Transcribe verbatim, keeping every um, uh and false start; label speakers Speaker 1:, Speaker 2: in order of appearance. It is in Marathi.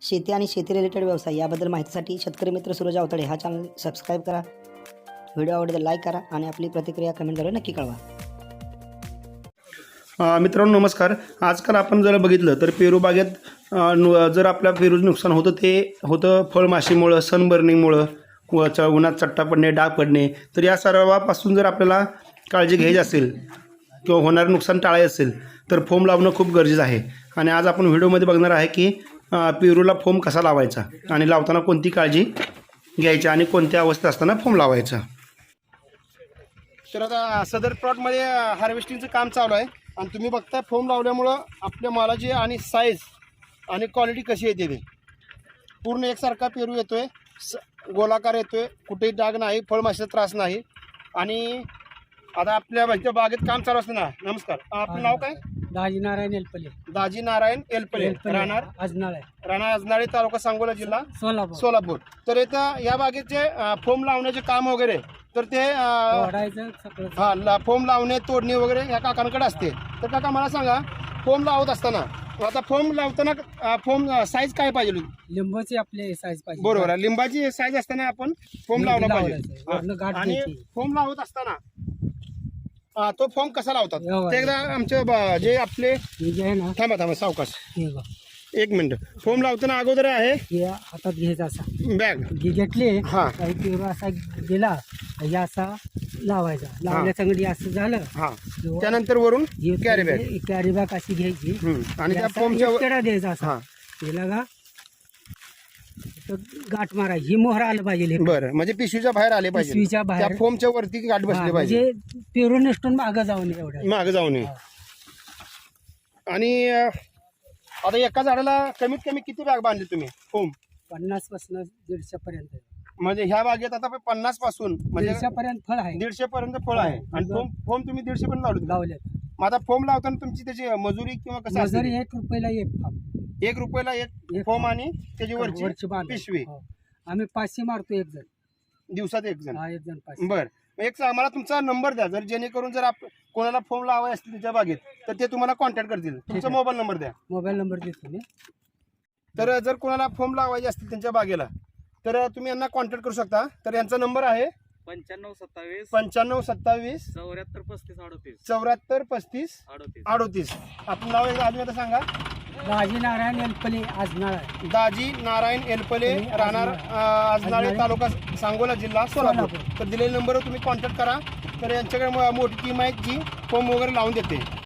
Speaker 1: शेती आणि शेती रिलेटेड व्यवसाय याबद्दल माहितीसाठी शेतकरी मित्र सूरज अवतडे हा चॅनल सबस्क्राईब करा. व्हिडिओ आवडल्यास लाईक करा आणि आपली प्रतिक्रिया कमेंटद्वारे नक्की कळवा.
Speaker 2: मित्रांनो नमस्कार. आजकाल आपण जर बघितलं तर पेरू बागेत अ, नु जर आपल्या पेरूचं नुकसान होतं ते होतं फळमाशीमुळं, सनबर्निंगमुळं, व च उन्हात चट्टा पडणे, डाग पडणे. तर या सर्वापासून जर आपल्याला काळजी घ्यायची असेल किंवा होणारं नुकसान टाळायचं असेल तर फोम लावणं खूप गरजेचं आहे. आणि आज आपण व्हिडिओमध्ये बघणार आहे की अ, पेरूला फोम कसा लावायचा आणि लावताना कोणती काळजी घ्यायची आणि कोणत्या अवस्थेत असताना फोम लावायचा. तर आता सदर प्लॉटमध्ये हार्वेस्टिंगचं काम चालू आहे आणि तुम्ही बघताय फोम लावल्यामुळं आपल्या मालाची आणि साईज आणि क्वालिटी कशी येते ते पूर्ण एकसारखा पेरू येतोय, स गोलाकार येतोय, कुठेही डाग नाही, फळमाशीचा त्रास नाही. आणि आता आपल्या म्हणजे बागेत काम चालू असतं ना. नमस्कार, आपलं नाव काय?
Speaker 3: दाजी नारायण एलपले.
Speaker 2: दाजी नारायण एलपले, राहणार
Speaker 3: अजनाळे,
Speaker 2: राहणार अजनाळे, तालुका सांगोला, जिल्हा
Speaker 3: सोलापूर.
Speaker 2: सोलापूर. तर इथं या बागेचे फोम लावण्याचे काम वगैरे तर ते
Speaker 3: तोडायचं सगळं.
Speaker 2: हा ला फोम लावणे, तोडणे वगैरे या काकांकडे असते. तर काका मला सांगा, फोम लावत असताना आता फोम लावताना फोम साईज काय पाहिजे?
Speaker 3: लिंबाची आपले साईज पाहिजे.
Speaker 2: बरोबर आहे, लिंबाची साईज असताना आपण फोम लावला पाहिजे.
Speaker 3: वरनं गाठ
Speaker 2: आणि
Speaker 3: द्यायची.
Speaker 2: फोम लावत असताना अ, तो फोम कसा लावतात
Speaker 3: एवढा.
Speaker 2: ते एकदा आमचे ब- जे आपले
Speaker 3: हे जे आहे ना,
Speaker 2: थांबा थांबा सावकाश
Speaker 3: हे बघ,
Speaker 2: एक मिनिट. फोम लावताना अगोदर आहे
Speaker 3: हे हातात घ्यायचा असा,
Speaker 2: बॅग.
Speaker 3: घे घेतले
Speaker 2: हा.
Speaker 3: काही पेरू असा गेला हे असा लावायचा. लावल्या चांगली असं झालं.
Speaker 2: हा, त्यानंतर वरून कॅरी बॅग.
Speaker 3: कॅरी बॅग अशी घ्यायची
Speaker 2: आणि त्या
Speaker 3: असा
Speaker 2: फोमच्या
Speaker 3: एक कडा द्यायचा
Speaker 2: हा.
Speaker 3: असा. गेला का तर गाठ मारा, ही मोहर आलं पाहिजे.
Speaker 2: बरं, म्हणजे पिशवीच्या बाहेर आले पाहिजे,
Speaker 3: पिशवीच्या बाहेर.
Speaker 2: त्या फोमच्या वरती गाठ
Speaker 3: हा,
Speaker 2: बसली पाहिजे,
Speaker 3: म्हणजे पेरू नसटून मागं जाऊन एवढं.
Speaker 2: मागं जाऊ नये. आणि अ, आता एका झाडाला कमीत कमी किती बॅग बांधली तुम्ही फोम?
Speaker 3: पन्नास पासून दीडशे पर्यंत.
Speaker 2: म्हणजे ह्या बागेत आता पन्नास पासून म्हणजे
Speaker 3: दीडशे पर्यंत फळ आहे.
Speaker 2: दीडशे पर्यंत फळ आहे. आणि फोम फोम तुम्ही दीडशे पर्यंत लावले.
Speaker 3: लावले
Speaker 2: मग आता फोम लावताना तुमची त्याची मजुरी किंवा कसं
Speaker 3: मजुरी
Speaker 2: असते?
Speaker 3: एक रुपयाला एक फार्म.
Speaker 2: एक रुपयाला एक
Speaker 3: एक
Speaker 2: फोम आणि त्याची
Speaker 3: वरची
Speaker 2: वरची
Speaker 3: बांध.
Speaker 2: पिशवी.
Speaker 3: हो. आम्ही पाचशे मारतो एक जण.
Speaker 2: दिवसात एक जण.
Speaker 3: हा, एक जण पाचशे.
Speaker 2: बर, एक सा- मला तुमचा नंबर द्या, जर जेणेकरून जर आप कोणाला फोम लावायचे असतील तुमच्या बागेत तर ते तुम्हाला कॉन्टॅक्ट करतील. तुमचा
Speaker 3: आहे.
Speaker 2: मोबाईल नंबर द्या.
Speaker 3: मोबाईल नंबर देतो मी.
Speaker 2: तर जर कोणाला फोम लावायचे असतील त्यांच्या बागेला तर तुम्ही यांना कॉन्टॅक्ट करू शकता. तर यांचा नंबर आहे
Speaker 4: पंच्याण्णव सत्तावीस
Speaker 2: पंच्याण्णव सत्तावीस
Speaker 4: चौऱ्याहत्तर पस्तीस अडतीस
Speaker 2: चौऱ्याहत्तर पस्तीस
Speaker 4: अडतीस.
Speaker 2: अडोतीस. आपलं नाव एकदा अजून एकदा सांगा.
Speaker 3: दाजी नारायण एलपले, आजनाळ.
Speaker 2: दाजी नारायण एलपले, राहणार अ, अजनाळे, तालुका सांगोला, जिल्हा सोलापूर.
Speaker 3: सोलापूर.
Speaker 2: तर दिलेल्या नंबरवर तुम्ही कॉन्टॅक्ट करा. तर यांच्याकडे म- मोठी टीम आहे जी फोम वगैरे लावून देते.